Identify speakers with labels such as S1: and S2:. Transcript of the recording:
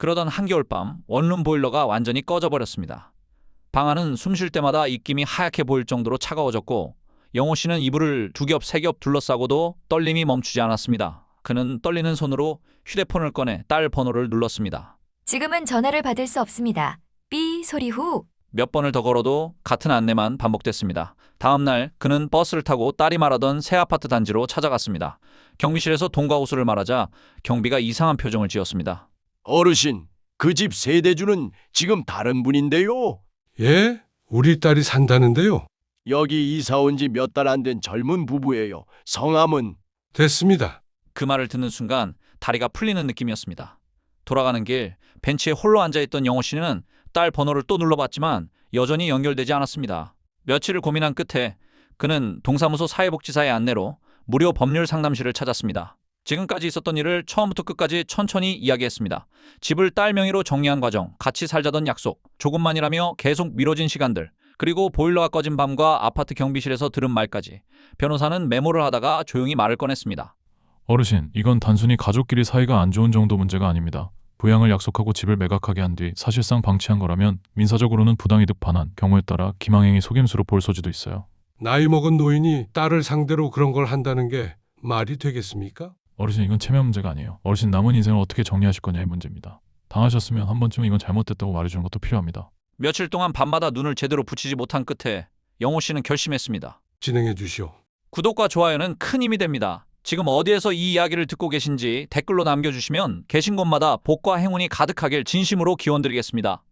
S1: 그러던 한겨울밤 원룸 보일러가 완전히 꺼져버렸습니다. 방 안은 숨 쉴 때마다 입김이 하얗게 보일 정도로 차가워졌고 영호 씨는 이불을 두 겹, 세 겹 둘러싸고도 떨림이 멈추지 않았습니다. 그는 떨리는 손으로 휴대폰을 꺼내 딸 번호를 눌렀습니다.
S2: 지금은 전화를 받을 수 없습니다. 삐 소리 후.
S1: 몇 번을 더 걸어도 같은 안내만 반복됐습니다. 다음 날 그는 버스를 타고 딸이 말하던 새 아파트 단지로 찾아갔습니다. 경비실에서 돈과 호수를 말하자 경비가 이상한 표정을 지었습니다.
S3: 어르신, 그 집 세대주는 지금 다른 분인데요.
S4: 예? 우리 딸이 산다는데요.
S3: 여기 이사 온 지 몇 달 안 된 젊은 부부예요. 성함은?
S4: 됐습니다.
S1: 그 말을 듣는 순간 다리가 풀리는 느낌이었습니다. 돌아가는 길 벤치에 홀로 앉아있던 영호 씨는 딸 번호를 또 눌러봤지만 여전히 연결되지 않았습니다. 며칠을 고민한 끝에 그는 동사무소 사회복지사의 안내로 무료 법률 상담실을 찾았습니다. 지금까지 있었던 일을 처음부터 끝까지 천천히 이야기했습니다. 집을 딸 명의로 정리한 과정, 같이 살자던 약속, 조금만이라며 계속 미뤄진 시간들, 그리고 보일러가 꺼진 밤과 아파트 경비실에서 들은 말까지. 변호사는 메모를 하다가 조용히 말을 꺼냈습니다.
S5: 어르신, 이건 단순히 가족끼리 사이가 안 좋은 정도 문제가 아닙니다. 부양을 약속하고 집을 매각하게 한 뒤 사실상 방치한 거라면 민사적으로는 부당이득 반환, 경우에 따라 기망행위 속임수로 볼 소지도 있어요.
S4: 나이 먹은 노인이 딸을 상대로 그런 걸 한다는 게 말이 되겠습니까?
S5: 어르신, 이건 체면 문제가 아니에요. 어르신 남은 인생을 어떻게 정리하실 거냐의 문제입니다. 당하셨으면 한 번쯤은 이건 잘못됐다고 말해주는 것도 필요합니다.
S1: 며칠 동안 밤마다 눈을 제대로 붙이지 못한 끝에 영호 씨는 결심했습니다.
S4: 진행해 주시오.
S1: 구독과 좋아요는 큰 힘이 됩니다. 지금 어디에서 이 이야기를 듣고 계신지 댓글로 남겨주시면 계신 곳마다 복과 행운이 가득하길 진심으로 기원드리겠습니다.